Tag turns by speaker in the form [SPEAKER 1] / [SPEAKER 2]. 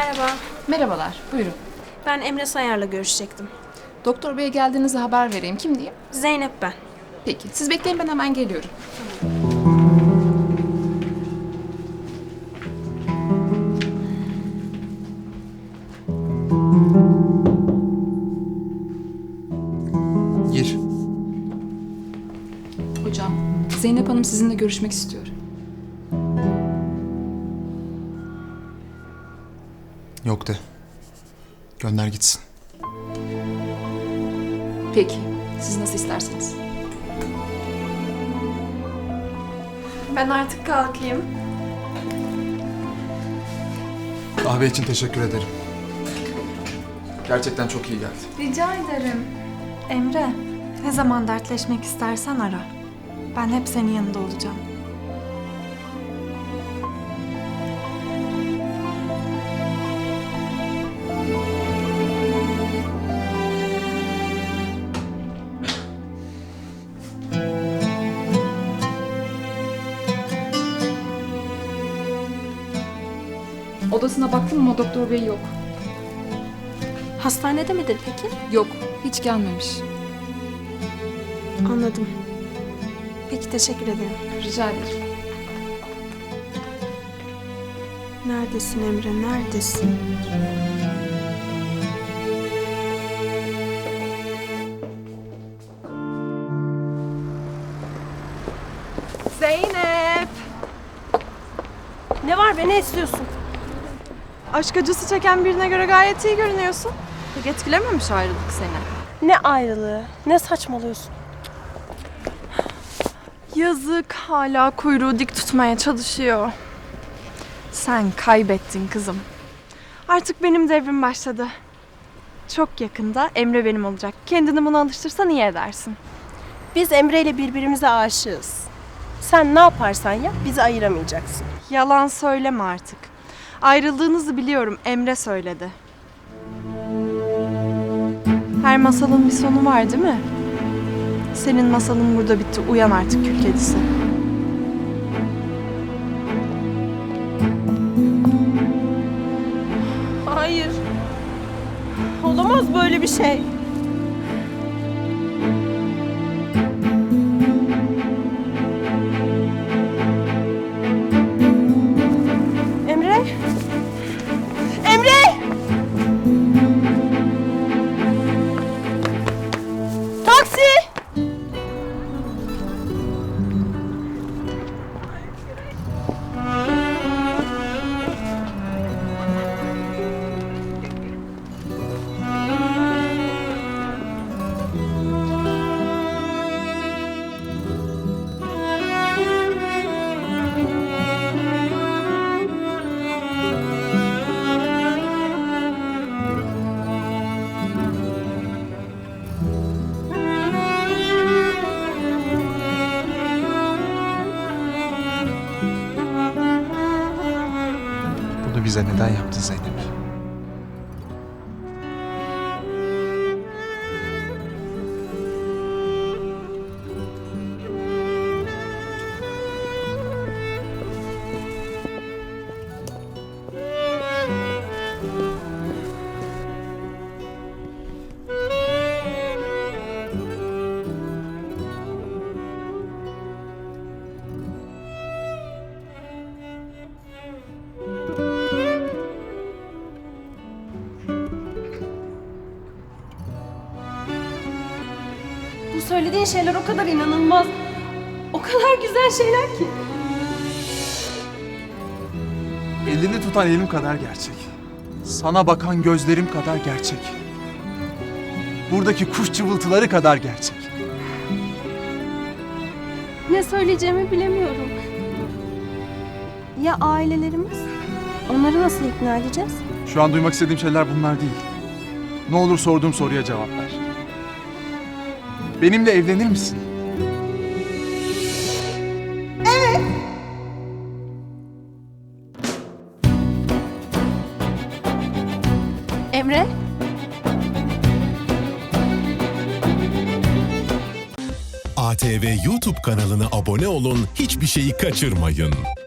[SPEAKER 1] Merhaba,
[SPEAKER 2] Merhabalar, buyurun.
[SPEAKER 1] ben Emre Sayar'la görüşecektim.
[SPEAKER 2] Doktor beye geldiğinizi haber vereyim. Kim diyeyim?
[SPEAKER 1] Zeynep ben.
[SPEAKER 2] Peki, siz bekleyin ben hemen geliyorum.
[SPEAKER 3] Gir.
[SPEAKER 2] Hocam, Zeynep Hanım sizinle görüşmek istiyor.
[SPEAKER 3] Yok de. Gönder gitsin.
[SPEAKER 2] Peki, siz nasıl isterseniz.
[SPEAKER 1] Ben artık kalkayım.
[SPEAKER 3] Kahve için teşekkür ederim. Gerçekten çok iyi geldi.
[SPEAKER 4] Rica ederim. Emre, ne zaman dertleşmek istersen ara. Ben hep senin yanında olacağım.
[SPEAKER 2] Odasına baktım ama doktor bey yok.
[SPEAKER 1] Hastanede midir peki?
[SPEAKER 2] Yok, hiç gelmemiş.
[SPEAKER 1] Anladım. Peki teşekkür ederim.
[SPEAKER 2] Rica ederim.
[SPEAKER 1] Neredesin Emre, neredesin?
[SPEAKER 4] Zeynep!
[SPEAKER 1] Ne var be, ne istiyorsun?
[SPEAKER 4] Aşk acısı çeken birine göre gayet iyi görünüyorsun. Pek etkilememiş ayrılık seni.
[SPEAKER 1] Ne ayrılığı, ne saçmalıyorsun?
[SPEAKER 4] Yazık, hala kuyruğu dik tutmaya çalışıyor. Sen kaybettin kızım. Artık benim devrim başladı. Çok yakında Emre benim olacak. Kendini buna alıştırsan iyi edersin.
[SPEAKER 1] Biz Emre ile birbirimize aşığız. Sen ne yaparsan yap, bizi ayıramayacaksın.
[SPEAKER 4] Yalan söyleme artık. Ayrıldığınızı biliyorum, Emre söyledi. Her masalın bir sonu var değil mi? Senin masalın burada bitti. Uyan artık kül kedisi.
[SPEAKER 1] Hayır. Olamaz böyle bir şey. Emre? Emre! Taksi!
[SPEAKER 3] Bunu bize neden yaptın Zeynep?
[SPEAKER 1] Bu söylediğin şeyler o kadar inanılmaz, o kadar güzel şeyler ki.
[SPEAKER 3] Elini tutan elim kadar gerçek. Sana bakan gözlerim kadar gerçek. Buradaki kuş cıvıltıları kadar gerçek.
[SPEAKER 1] Ne söyleyeceğimi bilemiyorum. Ya ailelerimiz? Onları nasıl ikna edeceğiz?
[SPEAKER 3] Şu an duymak istediğim şeyler bunlar değil. Ne olur sorduğum soruya cevap ver. Benimle evlenir misin?
[SPEAKER 1] Emre?
[SPEAKER 5] ATV YouTube kanalına abone olun, hiçbir şeyi kaçırmayın.